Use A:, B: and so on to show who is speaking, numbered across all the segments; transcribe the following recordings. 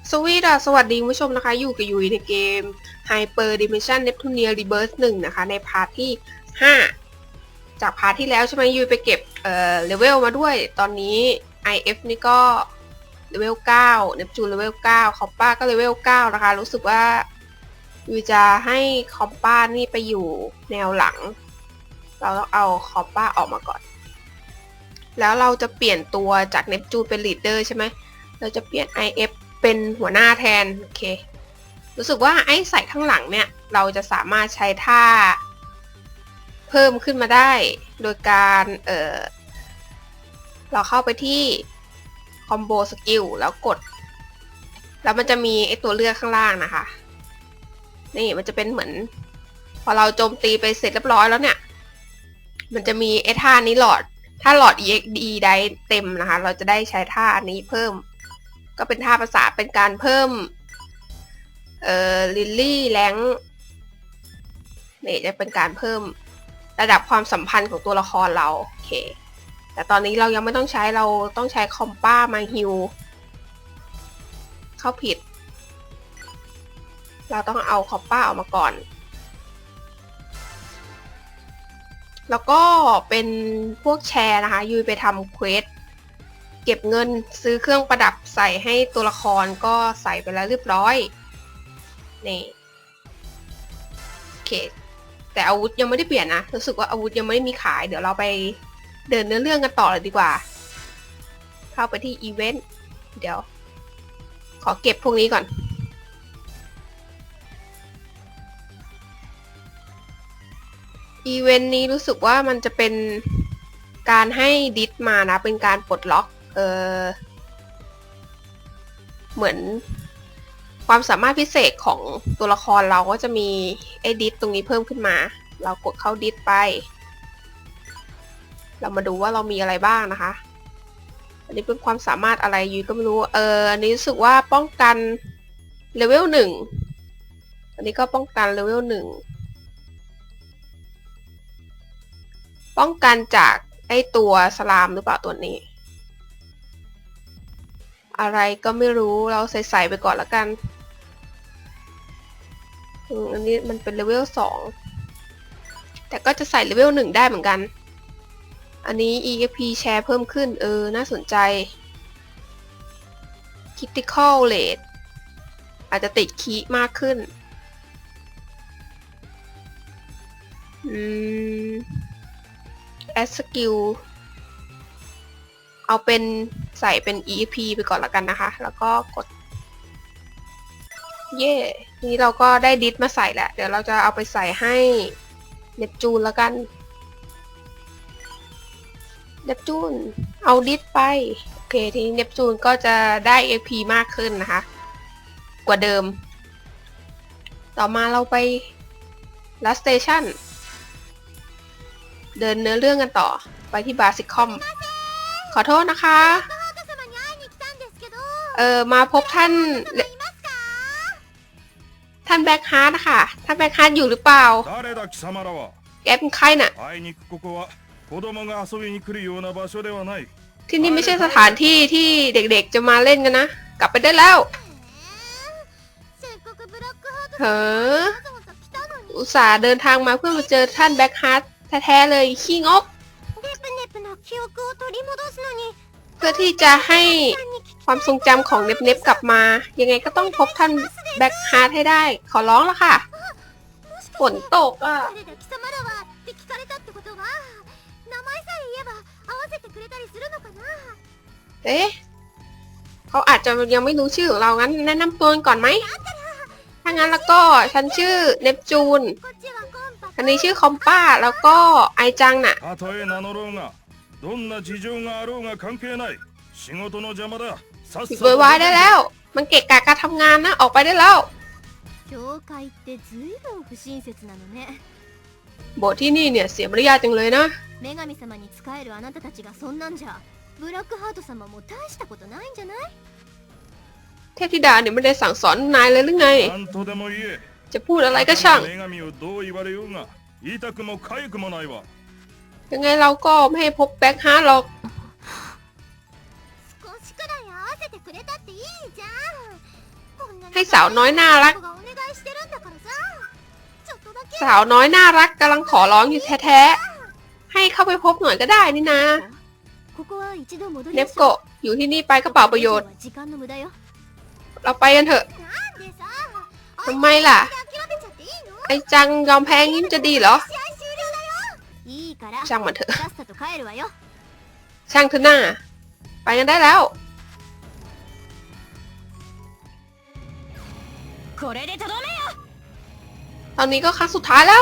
A: สวัสดีคุณผู้ชมนะคะอยู่กับยุ้ยในเกม Hyper Dimension Neptunia Rebirth 1นะคะในพาร์ทที่5จากพาร์ทที่แล้วใช่ไหมยุ้ยไปเก็บเลเวลมาด้วยตอนนี้ IF นี่ก็เลเวล9 Neptune เลเวล9คอปป้าก็เลเวล9นะคะรู้สึกว่ายุ้ยจะให้คอปป้านี่ไปอยู่แนวหลังเราต้องเอาคอปป้าออกมาก่อนแล้วเราจะเปลี่ยนตัวจาก Neptune เป็น Leader ใช่ไหมเราจะเปลี่ยน IFเป็นหัวหน้าแทนโอเครู้สึกว่าไอ้ใส่ข้างหลังเนี่ยเราจะสามารถใช้ท่าเพิ่มขึ้นมาได้โดยการเราเข้าไปที่คอมโบสกิลแล้วกดแล้วมันจะมีไอ้ตัวเลือกข้างล่างนะคะนี่มันจะเป็นเหมือนพอเราโจมตีไปเสร็จเรียบร้อยแล้วเนี่ยมันจะมีไอ้ท่านี้ถ้าหลอด EXD ได้เต็มนะคะเราจะได้ใช้ท่าอันนี้เพิ่มก็เป็นท่าภาษาเป็นการเพิ่มลิลลี่แรงนี่จะเป็นการเพิ่มระดับความสัมพันธ์ของตัวละครเราโอเคแต่ตอนนี้เรายังไม่ต้องใช้เราต้องใช้คอมป้ามาฮิวเข้าผิดเราต้องเอาคอมป้าออกมาก่อนแล้วก็เป็นพวกแชร์นะคะยุยไปทำเควสเก็บเงินซื้อเครื่องประดับใส่ให้ตัวละครก็ใส่ไปแล้วเรียบร้อยนี่โอเคแต่อาวุธยังไม่ได้เปลี่ยนนะรู้สึกว่าอาวุธยังไม่ได้มีขายเดี๋ยวเราไปเดินเนื้อเรื่องกันต่อเลยดีกว่าเข้าไปที่อีเวนต์เดี๋ยวขอเก็บพวกนี้ก่อนอีเวนต์นี้รู้สึกว่ามันจะเป็นการให้ดิสมานะเป็นการปลดล็อกเหมือนความสามารถพิเศษของตัวละครเราก็จะมีไอ้ดิสตรงนี้เพิ่มขึ้นมาเรากดเข้าดิสไปเรามาดูว่าเรามีอะไรบ้างนะคะอันนี้เป็นความสามารถอะไรยุ้ยก็ไม่รู้อันนี้รู้สึกว่าป้องกันเลเวล1อันนี้ก็ป้องกันเลเวล1ป้องกันจากไอ้ตัวสลามหรือเปล่าตัวนี้อะไรก็ไม่รู้เราใส่ไปก่อนละกันอันนี้มันเป็นเลเวล2แต่ก็จะใส่เลเวล1ได้เหมือนกันอันนี้ EXP แชร์เพิ่มขึ้นน่าสนใจ Critical Rate อาจจะติดคีย์มากขึ้นAdd Skill เอาเป็นใส่เป็น EXP ไปก่อนละกันนะคะแล้วก็กดเย่นี่เราก็ได้ดิสมาใส่แล้วเดี๋ยวเราจะเอาไปใส่ให้เนปจูนแล้วกันเนปจูนเอาดิสไปโอเคทีนี้เนปจูนก็จะได้ EP มากขึ้นนะคะกว่าเดิมต่อมาเราไปลัสสเตชันเดินเนื้อเรื่องกันต่อไปที่บาซิคอมขอโทษนะคะมาพบท่านแบ็คฮาร์ดนะคะท่านแบ็คฮาร์ดอยู่หรือเปล่าแกเป็นใครน่ะที่นี่ไม่ใช่สถานที่ที่เด็กๆจะมาเล่นกันนะกลับไปได้แล้วเฮ้ออุตส่าห์เดินทางมาเพื่อมาเจอท่านแบ็คฮาร์ดแท้ๆเลยขี้งกเพื่อที่จะให้ความทรงจำของเน็บกลับมายังไงก็ต้องพบท่านแบ็คฮาร์ดให้ได้ขอร้องแล้วค่ะฝนตกอ่ะเอ๊ะเขาอาจจะยังไม่รู้ชื่อของเรางั้นแนะนำตัวก่อนไหมถ้างั้นแล้วก็ฉันชื่อเนปจูนอันนี้ชื่อคอมป้าแล้วก็ไอจังน่ะปิดไว้ได้แล้วมันเกะกะการทำงานนะออกไปได้แล้วโบสถ์ที่นี่เนี่ยเสียมารยาทจังเลยนะเทพธิดาเนี่ยไม่ได้สั่งสอนนายเลยหรือไงจะพูดอะไรก็ช่างยังไงเราก็ไม่ให้พบแบ็คฮาร์ดหรอกให้สาวน้อยน่ารัก
B: 子がお願いしてるんだからさ、ちょっとだけ
A: สาวน้อยน่ารักกำลังขอร้องอยู่แท้ๆให้เข้าไปพบหน่อยก็ได้นี่นะ
B: ここは一度戻り
A: เน
B: ま
A: ฟ
B: しょ
A: โกะอยู่ที่นี่ไปก็เปล่าประโยชน์
B: これ以上は時間の無駄よ。
A: เราไปกันเถอะ
B: なんでさ、
A: ทำไมล่ะ
B: 諦めちゃっていいの？
A: ไอจังยอมแพ้งี้มันจะดีเหรอ
B: 試合終了だよ。いいから
A: ช่างมันเถอะ
B: さっさと帰るわよ。
A: ช่างเถอะหน้า ไปกันได้แล้ว
B: これでとどめよ。
A: ตอนนี้ก็ครั้งสุดท้ายแล้ว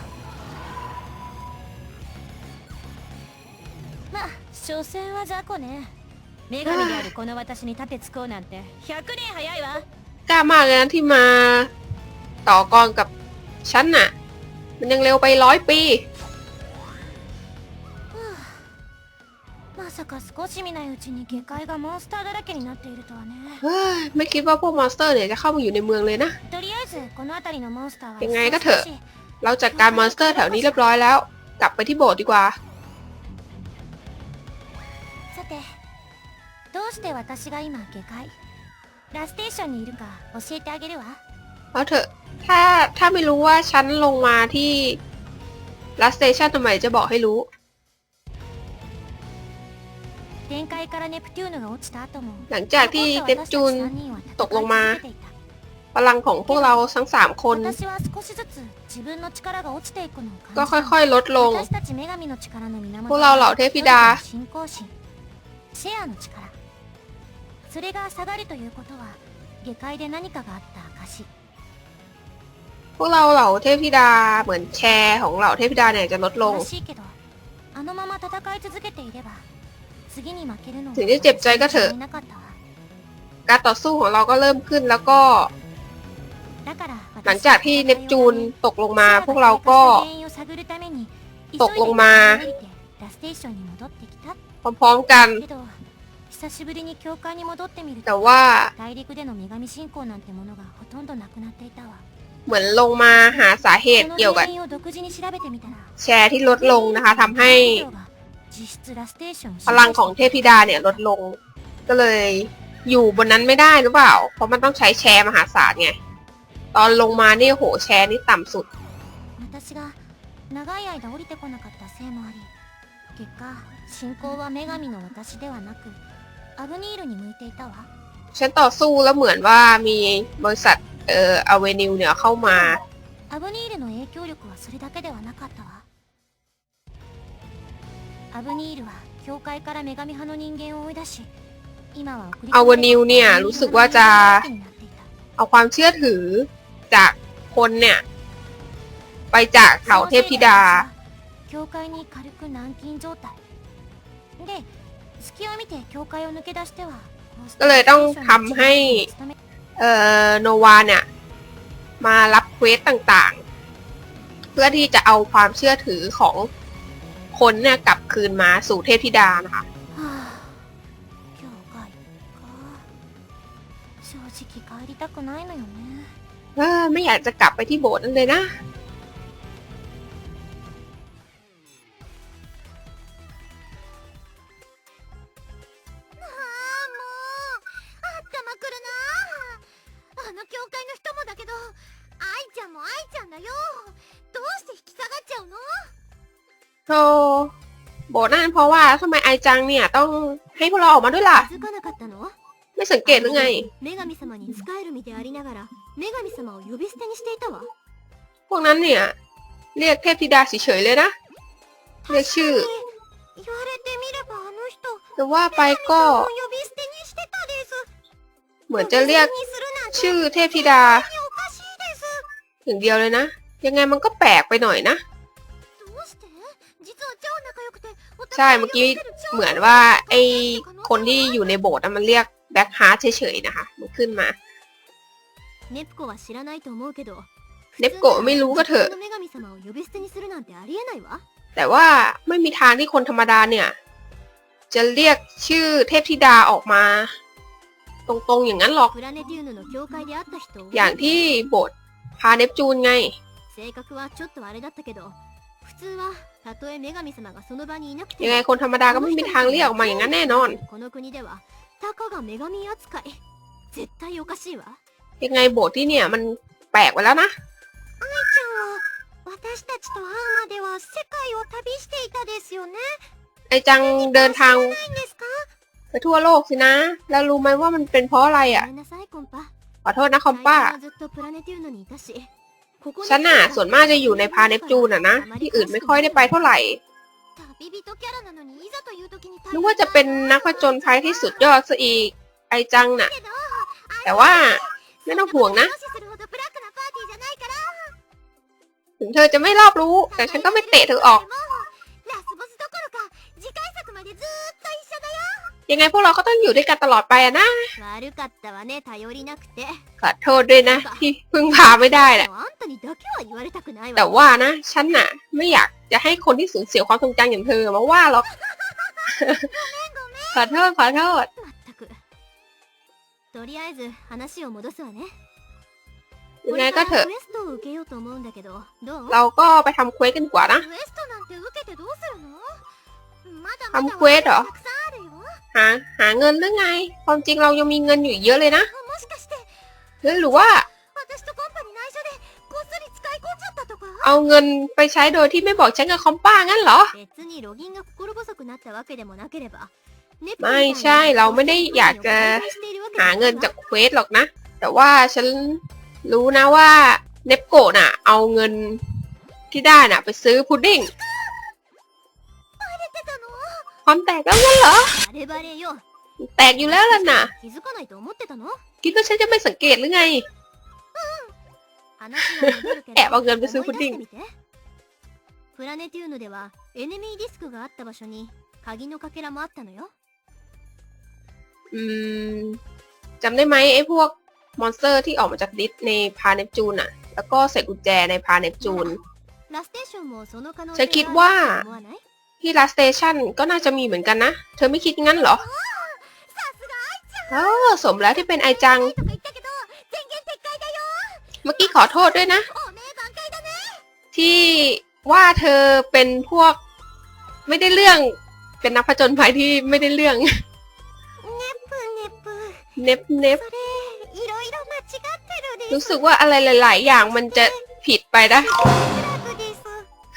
B: まあ所詮は雑魚ね。女神であるこの私に盾つこうなんて100年早いわ。
A: กล้ามากเลยนะที่มาต่อกรกับฉันน่ะ มันยังเร็วไป100 ปี
B: まさか少し見ないうちに下界がモンスターだらけになっているとはね。
A: เฮ้ยไม่คิดว่าพวกมอนสเตอร์เนี่ยจะเข้ามาอยู่ในเมืองเลยนะ
B: とりあえずこの辺りのモンスターは
A: ยังไงก็เถอะ
B: 少し
A: เราจัดการมอนสเตอร์แถวนี้เรียบร้อยแล้ว กลับไปที่โบสถ์ดีกว่า
B: さてどうして私が今下界ラステーションにいるか教えてあげるわ。
A: เอาเถอะ ถ้าไม่รู้ว่าฉันลงมาที่ลัสเตชันทำไมจะบอกให้รู้
B: 天界からネプテューヌが落ちた後も
A: หลังจากที่เนปจูน
B: 残った私たち3人は
A: ตกลงมา
B: 戦い続けていた。
A: พลังของพวกเราทั้ง3 คน
B: 私は少しずつ自分の力が落ちていくのを
A: ก็
B: 感じた。
A: ค่อยๆ ลดลง
B: 私たち女神の力の源
A: พวกเราเหล่าเทพธิดา
B: 信仰心シェアの力、それが下がるということは下界で何かがあった証。
A: พวกเราเหล่าเทพธิดาเหมือนแชร์ของเหล่าเทพธิดาเนี่ยจะลดลง
B: 悲しいけどあのまま戦い続けていれば次に負けるの
A: ถึงจะเจ็บใจก็เถอะ
B: いなかったわ。
A: การต่อสู้ของเราก็เริ่มขึ้นแล้วก็
B: だから
A: หลังจากที่เนปจูนตกลงมา พวกเราก็ ตกลงมา
B: ラステーションに戻ってきた
A: พร้อมๆกัน
B: けど久しぶりに教会に戻ってみる
A: แต่
B: と
A: ว่า
B: 大陸での女神信仰なんてものがほとんどなくなっていたわ。
A: เหมือนลงมาหาสาเหตุ
B: その
A: เกี่ยวกับ
B: 原因を独自に調べてみたら
A: แชร์ที่ลดลงนะคะทำให้
B: 実質ラステーションを
A: พลังของเทพธิดาเนี่ยลดลง ก็เลยอยู่บนนั้นไม่ได้หรือเปล่า เพราะมันต้องใช้แชร์มหาศาลไง ตอนลงมาเนี่ยโหแชร์นี่ต่ำสุด
B: 私が長い間降りてこなかったせいもあり、結果信仰は女神の私ではなくアブニールに向いていたわ。
A: ฉันต่อสู้แล้วเหมือนว่ามีบริษัทอเวนิวเนี่ยเข้ามา
B: アブニールの影響力はそれだけではなかったわ。アブニールは教会から女神派の人間を追い出し、今は送り
A: อเวนิวเนี่ยรู้สึกว่าจะ
B: になっていた。
A: เอาความเชื่อถือจากคนเนี่ย ไปจากเหล่าเทพธิดา
B: 教会に軽く軟禁状態で、隙を見て教会を抜け出しては
A: ก็เลยต้องทำให้ โนวาเนี่ย มารับเควสต่างๆ เพื่อที่จะเอาความเชื่อถือของคนเนี่ยกลับคืนมาสู่เทพธิดานะคะ
B: はあ、教会か。正直帰りたくないのよね。
A: ไม่อยากจะกลับไปที่โบสถ์นั่นเลยนะ
B: 頭くるなあ。あの教会の人もだけど、愛ちゃんも愛ちゃんだよ。どうして引き下がっちゃうの？
A: โธ่โบสถ์นั่นเพราะว่าทำไมไอจังเนี่ยต้องให้พวกเราออกมาด้วยล่ะ
B: 気づかなかったの？
A: ไม่สังเกตหรือไง
B: 女神様に仕える身でありながら、女神様を呼び捨てにしていたわ。
A: พวกนั้นเนี่ย เรียกเทพธิดาเฉยๆเลยนะ เรียกชื่อ
B: 言われてみればあの人、
A: แต่ว่าไปก็
B: 呼び捨てにしてたです。
A: เหมือนจะเรียก
B: 呼び捨てにするなんて
A: ชื่อเทพธิดา
B: おかしいです。
A: อย่างเดียวเลยนะ ยังไงมันก็แปลกไปหน่อยนะ
B: どうして？実は超仲良くて、お
A: ใช่ เมื่อกี้เหมือนว่าไอคนที่อยู่ในโบสถ์น่ะมันเรียกแบ็คฮาร์ทเฉยๆนะคะ มันขึ้นมา
B: ネプコは知らないと思うけど、
A: เนปโกะไม่รู้ก็เถอะ
B: 普通の女神様を呼び捨てにするなんてありえないわ。
A: แต่ว่าไม่มีทางที่คนธรรมดาเนี่ย จะเรียกชื่อเทพธิดาออกมา ตรงๆอย่างนั้นหรอก
B: プラネティウムの教会で会った人を
A: อย่างที่โบสถ์พาเนปจูนไง
B: 性格はちょっとあれだったけど、普通はたとえ女神様がその場にいなくて
A: ยังไงคนธรรมดาก็ไม่มีทางเรียกออกมาอย่างนั้นแน่นอน
B: この国ではたかが女神扱い。絶対おかしいわ。
A: ยังไงโบสถ์ที่เนี่ยมันแปลกไปแล้วนะ
B: 愛ちゃんは私たちと会うまでは世界を旅していたですよね。
A: ไอจังเดินทาง
B: ないんですか？
A: ไปทั่วโลกสินะ แล้วรู้ไหมว่ามันเป็นเพราะอะไร
B: ご
A: อ่ะ
B: めんなさいコンパ。
A: ขอโทษนะคอมป้า
B: 最近はずっとプラネテューノにいたし。ここに
A: ฉันน่ะส่วนมากจะอยู่ในพาเนปจูนอ่ะนะ ที่อื่นไม่ค่อยได้ไปเท่าไหร่
B: 旅人キャラなのにいざという時に
A: นึกว่าจะเป็นนักผจญภัยที่สุดยอดซะอีก ไอจังน่ะ
B: けど
A: แต่ว่าไม่ต้องห่วงนะ
B: 無視するほどブラックなパーティーじゃないから。
A: ถึงเธอจะไม่รอบรู้ แต่ฉันก็ไม่เตะเธอออก
B: ラスボスどころか次回作までずーっと一緒だよ。
A: ยังไงพวกเราก็ต้องอยู่ด้วยกันตลอดไปอะนะ
B: 悪かったわね頼りなくて。
A: ขอโทษด้วยนะ ที่พึ่งพาไม่ได้น่ะ
B: あんたにだけは言われたくないわ。
A: แต่ว่านะ ฉันน่ะ ไม่อยากจะให้คนที่สูญเสียความทรงจำอย่างเธอมาว่าหรอก ขอโทษขอโทษ
B: まったく。とりあえず話を戻すわね。
A: ยัง
B: こ
A: ไง
B: れ
A: ก็
B: から
A: เถอะ
B: クエストを受けようと思うんだけど、どう？
A: เราก็ไปทำเควสกันดีกว่านะ
B: クエストなんて受けてどうするの？まだまだ
A: ทำเควสเหรอ
B: たくさんあるよ。
A: หาเงินหรือไง ความจริงเรายังมีเงินอยู่อีกเยอะเลยนะ
B: もしかして
A: หรือว่า
B: 私とコンパに内緒でこっそり使い込んじゃったとか？
A: เอาเงินไปใช้โดยที่ไม่บอกฉันกับคอมป้างั้นเหรอ
B: 別にロギンが心細くなったわけでもなければ。
A: ไม่ใช่เราไม่ได้อยากจะหาเงินจากเควสหรอกนะ แต่ว่าฉันรู้นะว่าเนปโกะน่ะ เอาเงินที่ได้น่ะ ไปซื้อพุดดิ้ง ความแตกแล้วงั้นเหรอ
B: バレバレよ。
A: แตกอยู่แล้วล่ะน่ะ
B: 気づかないと思ってたの？
A: คิดว่าฉันจะไม่สังเกตหรือไง
B: 話は戻るけど
A: แอบเอาเงินไปซื้อพุด
B: 思い
A: ดิ้
B: 出
A: ง
B: してみて。プラネテューヌではエネミーディスクがあった場所に鍵のかけらもあったのよ。
A: อืมจำได้ไหมไอ้พวกมอนสเตอร์ที่ออกมาจากดิสในพาเนปจูนอะแล้วก็ใส่กุญแจในพาเนปจูน
B: ラステーションもその可能
A: ฉั
B: 性
A: นคิด
B: が
A: ว่า
B: あると思わない？
A: ที่ลาสเตชันก็น่าจะมีเหมือนกันนะ เธอไม่คิดงั้นเหรอ เออสมแล้วที่เป็นไอจัง
B: とか言ったけど全言撤回だよ。
A: เมื่อกี้ขอโทษด้วยนะ
B: おめえ挽回だね。
A: ที่ว่าเธอเป็นพวกไม่ได้เรื่อง เป็นนักผจญภัยที่ไม่ได้เรื่อง
B: ネプネプ。
A: เน็บเน็บ
B: それいろいろ間違ってるです。
A: รู้สึกว่าอะไรหลาย ๆ อย่างมันจะผิดไปนะ
B: クラブです。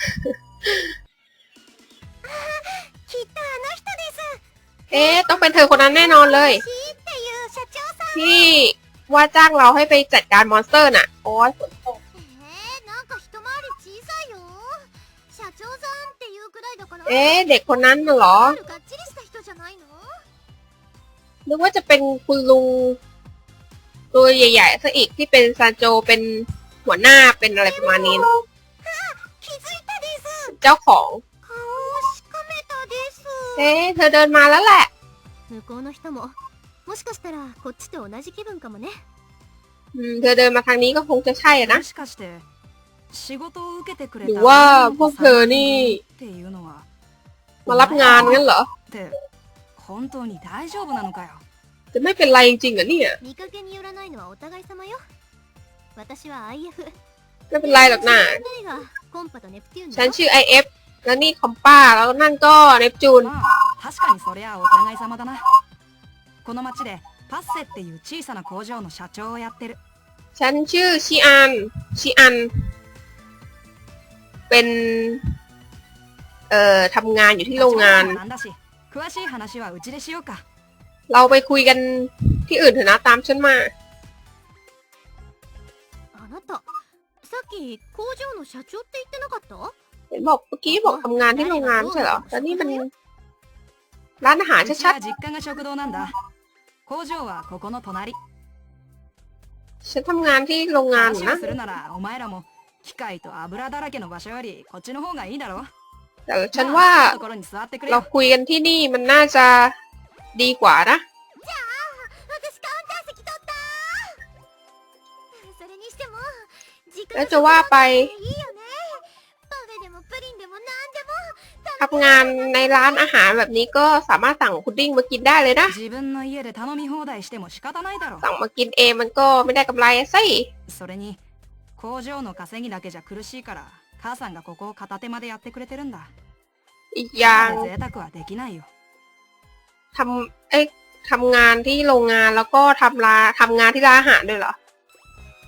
B: きっとあの人です。
A: เอ๊ะต้องเป็นเธอคนนั้นแน่นอนเลย
B: シーっていう社長さん。
A: ที่ว่าจ้างเราให้ไปจัดการมอนสเตอร์น่ะ โอ้ยฝนตก
B: なんか一回り小さいよ。社長さんっていうくらいだから。
A: เอ๊ะเด็กคนนั้นน่ะเหรอ
B: がっちりした人じゃないの？
A: นึกว่าจะเป็นคุณลุงตัวใหญ่ๆซะอีกที่เป็นซานโจเป็นหัวหน้าเป็นอะไรประมาณนี้
B: 気づいたです。
A: เจ้าของ
B: 顔をしかめたです。
A: เอ๊ะเธอเดินมาแล้วแหละ
B: 向こうの人ももしかしたらこっちと同じ気分かもね。
A: เธอเดินมาทางนี้ก็คงจะใช่อะนะ
C: もしかして仕事を受けてくれ
A: หรือ
C: た
A: ว่าพวกเธอนี่
C: っていうのは
A: มารับงานงั้นเหรอ
C: って本当に大丈夫なのかよ。
A: จะไม่เป็นไรจริงๆเหรอเนี่ย
B: 見かけによらないのはお互い様よ。私は IF。
A: ไม่เป็นไรหรอกนะ
B: 二人がコンパとネプテューン
A: ฉั
B: だ
A: น
B: よ。
A: ชื่อ IF แล้วนี่คอมป้าแล้วนั่นก็เนปจูน
C: まあ確かにそりゃお互い様だな。この町でパッセっていう小さな工場の社長をやってる。
A: ฉันชื่อชิอัน เป็นทำงานอยู่ที่โรงงาน
C: 立場なんだし詳しい話はうちでしようか。
A: เราไปคุยกันที่อื่นเถอะนะตามฉันมา
B: あなたさっき工場の社長って言ってなかった？
A: เห็นบอกเมื่อกี้บอกทำงานที่โรงงานไม่ใช่เหรอแล้วนี่มันร้านอาหาร
C: うち
A: ชัด
C: は実家が食堂なんだ。工場はここの隣。
A: ๆฉันทำงานที่โรงงานอยู่
C: 話
A: นะ
C: をするならお前らも機械と油だらけの場所よりこっちの方がいいだろ。
A: แต่ฉันว่า
C: まあ好きなところに座ってくれ
A: เรา
C: よ。
A: คุยกันที่นี่มันน่าจะดีกว่านะ
B: 私カウンター席取ったそれにしても時間
A: แล้วจะว่าไป
B: いいよねパフェでもプリンでもなんでも
A: ทำงานในร้านอาหารแบบนี้ก็สามารถสั่งพุดดิ้งมากินได้เลยนะ
C: 自分の家で頼み放題しても仕方ないだろ。
A: สั่งมากินเองมันก็ไม่ได้กำไรอะสิ
C: それに工場の稼ぎだけじゃ苦しいから母さんがここを片手までやってくれてるんだ。
A: อีกอย่าง
C: ただで贅沢はできないよ。
A: ทำงานที่โรงงานแล้วก็ทำงานที่ร้านอาหารด้วยเหรอ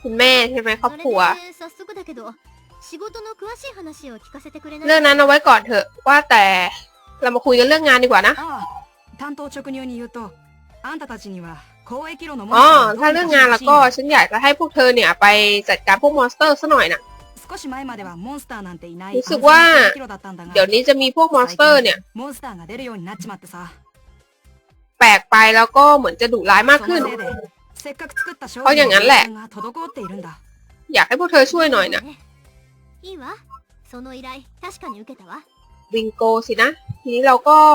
A: คุณแม่ใช่ไหมครอบ
B: それ
A: ครัว
B: で早速だけど仕事の詳しい話を聞かせてくれない
A: เรื่องนั้นเอาไว้ก่อนเถอะว่าแต่เรามาคุยกันเรื่องงานดีกว่านะ
C: ああ担当直入に言うとあんたたちには交易路のモン
A: อ๋อ
C: スターをど
A: ถ้า
C: うに
A: เรื่อง
C: か
A: งาน
C: してほ
A: แล้ว
C: しいん
A: ก็
C: だ
A: ฉันอยากจะให้พวกเธอเนี่ยไปจัดการพวกมอนสเตอร์ซะหน่อยนะ
C: 少し前まではモンスターなんていない
A: รู้
C: 安
A: สึ
C: 全
A: กว่า
C: な交易路だったんだが
A: เดี๋ยวนี้จะมีพวกมอนส
C: 最
A: เตอร์
C: 近
A: เนี่ย
C: モンスターが出るようになっちまってさ
A: แปลกไปแล้วก็เหมือนจะดุร้ายมาก
C: そ
A: ขึ้น
C: のせいでせっかく作った商
A: เพราะอ
C: 品
A: ย่างนั้น
C: の
A: แหละ
C: 生産が滞っているんだ
A: อยากให้พวกเธอช่วยหน่อยนะ
B: いいわその依頼確かに受けたわ
A: บิงโกสินะ ทีนี้เราก็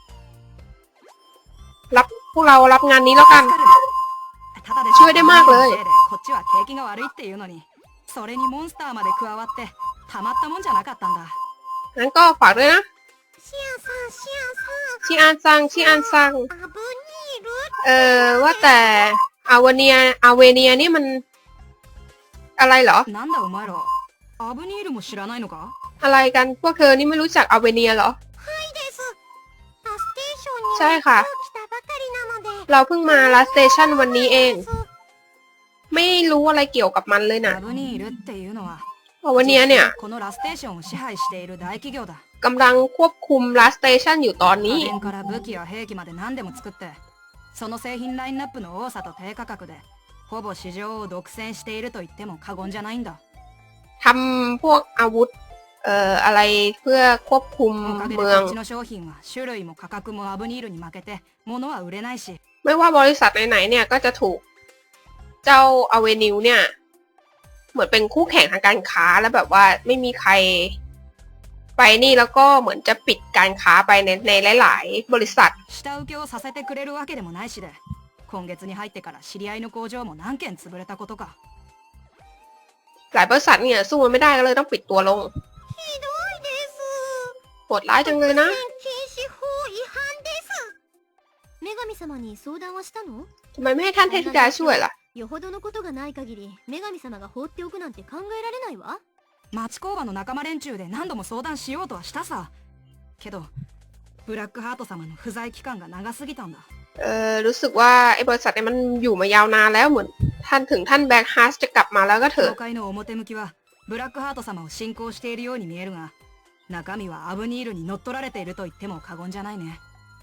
A: พวกเรารับงานนี้แล้วกัน
C: 助かるただで
A: ช่วยได้มากเลย
C: せいでこっちは景気が悪いっていうのにそれにモンスターまで加わってたまったもんじゃなかったんだ
A: งั้นก็ฝากด้วยนะ
B: シアンさんシアンさん
A: ชิอันซังชิอันซัง
B: アブニール
A: ว่าแต่อาวเนียนี่มันอะไรเหรอ
C: なんだお前らアブニールも知らないのか
A: อะไรกันพวกเธอนี่ไม่รู้จักอเวเนียเหรอ
B: ですラステーションに
A: ใช่ค่ะ
B: 今日来たばかりなので
A: เราเพิ่งมาลาสเตชันวันนี้เอง ไม่รู้อะไรเกี่ยวกับมันเลยนะ
C: アブニールっていうのは
A: อเวเนียเนี่ย
C: このラステーションを支配している大企業だ
A: กำลังควบคุมลาสเตชันอยู่ตอนนี้
C: 家電から武器や兵器まで何でも作ってその製品ラインナップの多さと低価格でほぼ市場を独占していると言っても過言じゃないんだ
A: ทำพวกอาวุธอะไรเพื่อควบคุม
C: おかげで
A: เมือง
C: こっちの商品は種類も価格もアブニールに負けて物は売れないし
A: ไม่ว่าบริษัทไหนๆเนี่ยก็จะถูกเจ้าอเวนิวเนี่ย เหมือนเป็นคู่แข่งทางการค้าแล้วแบบว่าไม่มีใคร ไปนี่แล้วก็เหมือนจะปิดการค้าไปในหลายๆ บริษัท
C: 下請けをさせてくれるわけでもないしで今月に入ってから知り合いの工場も何件潰れたことか
A: หลายบริษัทเนี่ยสู้มันไม่ได้ก็เลยต้องปิดตัวลง
B: ひどいです
A: โหดร้ายจังเลยนะ
B: 禁止法違反です女神様に相談はしたの
A: ทำไมไม่ให้ท่านเทพธิดาช่วยล่ะ
B: よほどのことがない限り女神様が放っておくなんて考えられないわ
C: 町工場の仲間連中で何度も相談しようとはしたさけどブラックハート様の不在期間が長すぎたんだ
A: รู้สึกว่าไอ้บริษัทเนี่ยมันอยู่มายาวนานแล้วเหมือนท่านแบ็คฮาร์สจะกลับมาแล้วก็เถอะ
C: 教会の表向きはブラックハート様を信仰しているように見えるが中身はアブニールに乗っ取られていると言っても過言じゃないね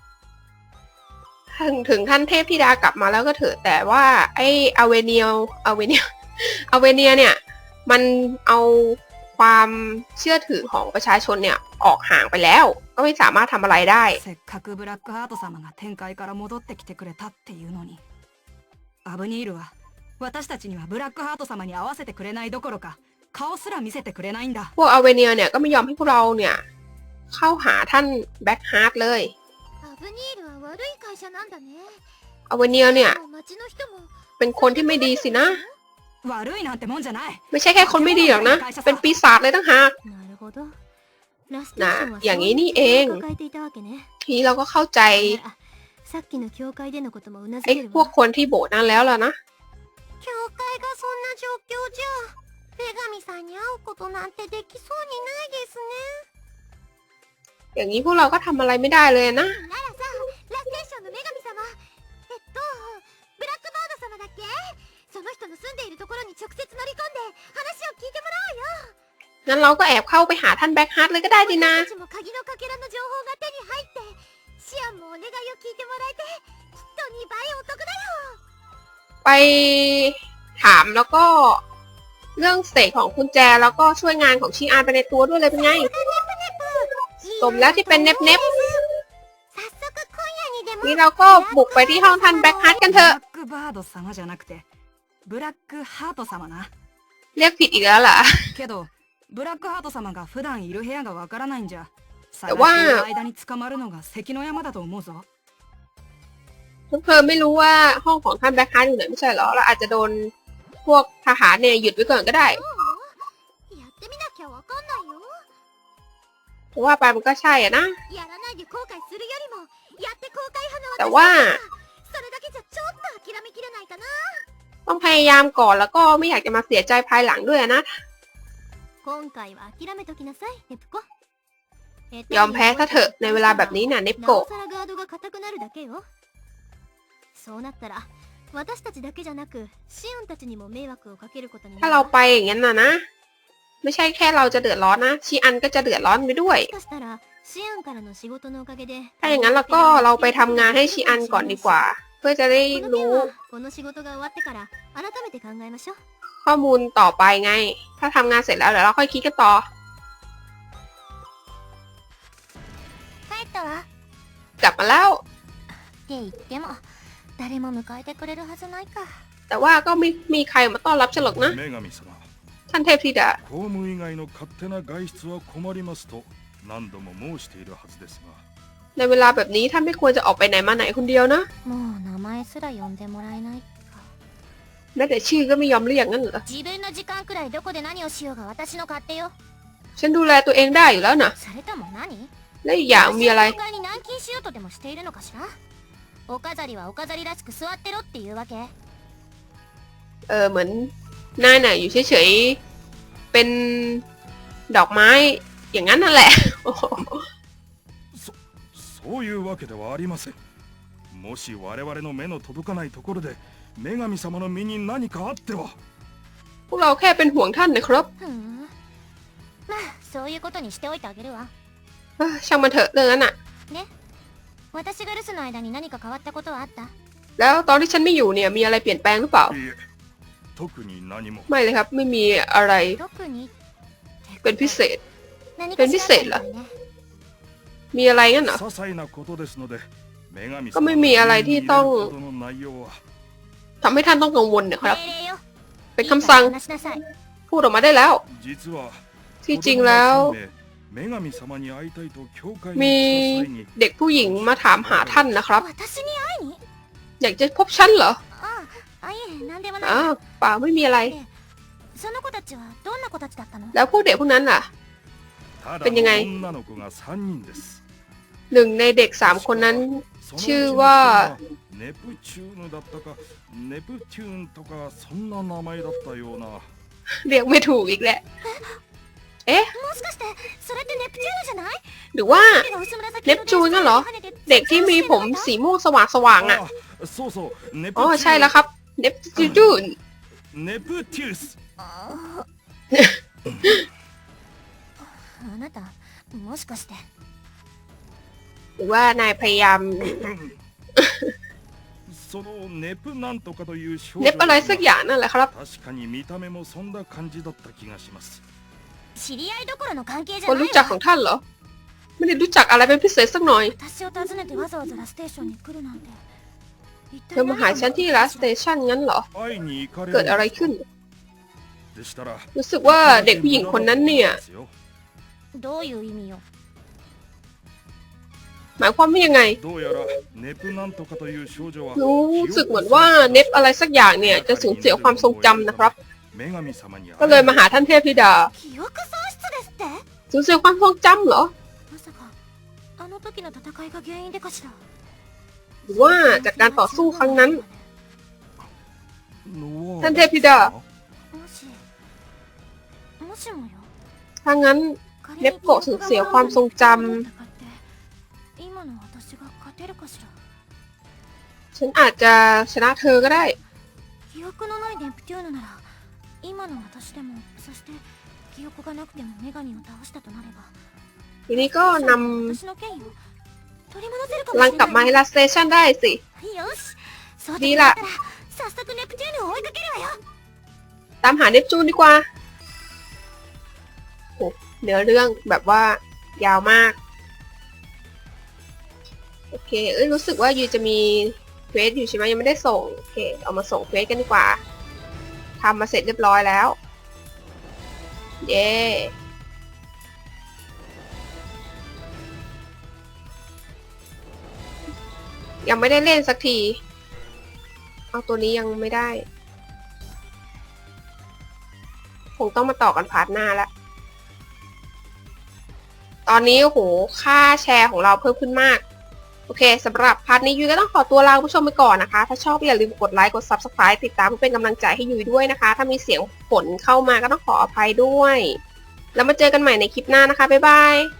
A: ถึงท่านเทพธิดากลับมาแล้วก็เถอะแต่ว่าไอ้อเวเนียเนี่ย มันเอาความเชื่อถือของประชาชนเนี่ยออกห่างไปแล้ว ก็ไม่สามารถทำอะไรได้
C: せっかくブラックハート様が天界から戻ってきてくれたっていうのにアブニールは私たちにはブラックハート様に合わせてくれないどころか顔すら見せてくれないんだ
A: พวกอเวเนียเนี่ยก็ไม่ยอมให้พวกเราเนี่ยเข้าหาท่านแบ็คฮาร์สเลย
B: アブニールは悪い会社なんだね
A: อเวเนียเนี่ย
B: 町の人も
A: เป็นคนที่ไม่ดีสินะ
C: 悪いなんてもんじゃない
A: ไม่ใช่แค่คนไม่ดีหรอกนะ เป็นปีศาจเลยตั้งหาก
B: なるほどラステーションは
A: อย่างนี้นี่เอง
B: そういう問題を抱えていたわけね
A: ทีนี้เราก็เข้าใจ
B: ならさっきの教会でのこともうなず
A: ไอ้
B: ける
A: พวก
B: わ
A: คนที่โบสถ์นั้นแล้วล่ะนะ
B: 教会がそんな状況じゃ女神さんに会うことなんてできそうにないですね
A: อย่างนี้พวกเราก็ทำอะไรไม่ได้เลยนะ
B: ならさラステーションの女神様ブラックバード様だっけその人の住んでいるところに直接乗り込んで話を聞いてもらおうよ
A: งั้นเราก็แอบเข้าไปหาท่านแบ็คฮาร์ดเลยก็ได้ดีนะ
B: 私たちも鍵のかけらの情報が手に入ってシアンもお願いを聞いてもらえてきっと2倍お得だよ
A: ไปถามแล้วก็เรื่องเสกของกุญแจแล้วก็ช่วยงานของชีอานไปในตัวด้วยเลยเป็นไง สมแล้วที่เป็นเน็บ
B: 早速今夜にでも
A: นี่เราก็บุกไปที่ห้องท่านแบ็คฮาร์ดกันเถ
C: ブ
A: อะ
C: ラックバード様じゃなくてブラックハート様な
A: เรียกผิดอีกแล้วล่ะ
C: けどブラックハート様が普段いる部屋がわからないんじゃ探
A: แต่ว่า
C: している間に捕まるのが関の山だと思うぞ
A: พวกเธอไม่รู้ว่าห้องของท่านแบ็คฮาร์ดอยู่ไหนไม่ใช่เหรอเราอาจจะโดนพวกทหารเนี่ยหยุดไว้ก่อนก็ได้
B: やってみなきゃわかんないよ
A: เพราะว่าไปมันก็ใช่อะนะ
B: やらないで後悔するよりもやって後悔派の私
A: แต่ว่า
B: それだけじゃちょっと諦めきれないかな
A: ต้องพยายามก่อนแล้วก็ไม่อยากจะมาเสียใจภายหลังด้วยนะ
B: 今回は諦めときなさいネプコ
A: ยอมแพ้ซะเถอะในเวลาแบบนี้น่ะเนป
B: な
A: โกะ
B: おさらガードが硬くなるだけよそうなったら私たちだけじゃなくシオンたちにも迷惑をかけることにな
A: ถ้า
B: る
A: เรา
B: わ。
A: ไปอย่างนั้นนะ ไม่ใช่แค่เราจะเดือดร้อนนะชีอันก็จะเดือดร้อนไปด้วย
B: もしかしたらシオンからの仕事のおかげで
A: ถ้าอย่างนั้นเราก็เราไปทำงานให้ชีอันก่อนดีกว่า เพื่อจะได้
B: この件
A: รู้
B: はこの仕事が終わってから改めて考えましょう。
A: ข้อมูลต่อไปไง ถ้าทำงานเสร็จแล้วเดี๋ยวเราค่อยคิดกันต่อ
B: 帰ったわ。
A: กลับมาแล้ว
B: って言っても誰も迎えてくれるはずないか。
A: แต่ว่าก็ไม่มีใครมาต้อนรับฉันหรอกนะ
D: 女神様、
A: ท่านเทพธิดา
D: 公務以外の勝手な外出は困りますと何度も申しているはずですが、
A: ในเวลาแบบนี้ท่านไม่ควรจะออกไปไหนมาไหนคนเดียวนะ
B: もう名前すら呼んでもらえないか。
A: แม้แต่ชื่อก็ไม่ยอมเรียกงั้นเหรอ
B: 自分の時間くらいどこで何をしようが私の勝手よ。
A: ฉันดูแลตัวเองได้อยู่แล้วนะ
B: それとも何？
A: และอีกอย่างมีอะไร
B: 私の教会に軟禁しようとでもしているのかしら。お飾りはお飾りらしく座ってろっていうわけ。
A: เหมือนนายน่ะอยู่เฉยๆเป็นดอกไม้อย่างนั้นนั่นแหละ
D: そういうわけではありません。もし我々の目の届かないところで女神様の身に何かあっては。
A: พวกเราแค่เป็นห่วงท่านนะครับ
B: ふん。まあそういうことにしておいてあげるわ。
A: ช่างมันเถอะเรื่องนั้นน่ะ
B: 私が留守の間に何か変わったことはあった？
A: แล้วตอนที่ฉันไม่อยู่เนี่ยมีอะไรเปลี่ยนแปลงหรือเปล่า
D: いいえ、特に何も。
A: ไม่เลยครับไม่มีอะไร
B: 特に
A: เป็นพิเศษ
B: 何か
A: เป็นพิ
B: し
A: เศ
B: らあ
A: ษ
B: った
A: เหรอ
B: んだよね。
A: มีอะไรงั้นเหรอ
D: 些細なことですので、女神様
A: ก็ไม่มีอะไรที่ต้อง
D: のほどの内容は。
A: ทำให้ท่านต้องกังวลนะครับ
B: 命令よ。
A: เป็นคำสั่ง
B: いいから話しなさい。
A: พูดออกมาได้แล้ว
D: 実は
A: ที่จริงแล้ว
D: 女神様に会いたいと教会に
A: มี
D: 来た際に
A: เด็กผู้หญิงมาถามหาท่านนะครับ
B: 私に会いに？
A: อยากจะพบฉันเหรอ
B: いえ何でもない。
A: อ้าวเปล่าไม่มีอะไร
B: その子たちはどんな子たちだったの？
A: แล้วพวกเด็กพวกนั้นล่ะ
D: ただ
A: เป็นยังไง
D: の女の子が3人です。
A: หนึ่งในเด็ก3คนนั้น
D: そのうちの一人
A: ชื่อว่า
D: ネプチューヌだったかネプテューンとかそんな名前だったような。
A: เรียกไม่ถูกอีกแหละ
B: もしかしてそれってネプチューヌじゃない？
A: หรือว่า
B: 手が薄紫
A: เนปจูนนั่นเหรอ เด็กที่มีผมสีม่วงสว่างๆอ่ะ
D: あ、そうそうネプ
A: อ๋อ
D: チューン
A: ใช่แล้วครับ เนปจูน
D: ネプテュース。
B: あなたもしかして
A: หรือว่านายพยายาม
D: そのネプなんとかという少
A: เนปอะไรสักอย่างนั่นแหละครับ
D: 確かに見た目もそんな感じだった気がします。
B: 知り合いどころの関係じゃ
A: คน
B: ない
A: รู้จักขอ
B: わ。
A: งท่านเหรอ ไม่ได้รู้จักอะไรเป็นพิเศษสักหน่อย
B: 私を訪ねてわざわざラステーションに来るなんて。一
A: เธ
B: 体
A: อมาหาฉันที่รัสสเตชันงั้นเหรอ
D: 会いに行かれる
A: เกิดอะไรขึ้น
D: でしたら
A: รู้สึกว่าเด็กผู้หญิงคนนั้นเนี่ย
B: どういう意味よ。
A: หมายความว่ายังไง
D: どうやらネプなんとかという少女は
A: รู้สึกเหมือนว่าเนปอะไรสักอย่างเนี่ยจะสูญเสียความทรงจำนะครับ
D: 女神様に会
A: ก็เลยมาหาท่านเทพธิดา
B: 記憶喪失ですって？
A: สูญเสียความทรงจำเหรอ
B: まさかあの時の戦いが原因でかしら。
A: หรือว่าจากการต่อสู้ครั้งนั้น
D: ノア
A: ท่านเทพธิดา
B: もしもよ。
A: ถ้างั้น เนปโกะสูญเสียความทรงจำ
B: 今の私が勝てるかしら。
A: ฉันอาจจะชนะเธอก็ได้
B: 記憶のないネプテューヌなら今の私でも、そして記憶がなくても女神を倒したとなれば、
A: ทีนี้ก็น
B: 私の権威を取り戻せるか
A: ำ
B: も
A: ลัง
B: しれ
A: กลับมา
B: ない。
A: ให้รัสสเตชันได้สิ
B: よし、そう
A: ดี
B: だ
A: ละ
B: ったら早速ネプテューヌを追いかけるわよ。
A: ตามหาเนปจูนดีกว่าโอ้เนื้อเรื่องแบบว่ายาวมาก โอเค รู้สึกว่ายูจะมีเควสอยู่ใช่ไหมยังไม่ได้ส่ง โอเค เอามาส่งเควสกันดีกว่า ทำมาเสร็จเรียบร้อยแล้ว เย้ ยังไม่ได้เล่นสักที เอาตัวนี้ยังไม่ได้ คงต้องมาต่อกันพาร์ทหน้าแล้ว ตอนนี้โอ้โห ค่าแชร์ของเราเพิ่มขึ้นมาก โอเคสำหรับพาร์ทนี้ยุ้ยก็ต้องขอตัวลาคุณผู้ชมไปก่อนนะคะ ถ้าชอบอย่าลืมกดไลค์ กด Subscribe ติดตามเพื่อเป็นกำลังใจให้ยุ้ยด้วยนะคะ ถ้ามีเสียงฝนเข้ามาก็ต้องขออภัยด้วย แล้วมาเจอกันใหม่ในคลิปหน้านะคะ บ๊ายบาย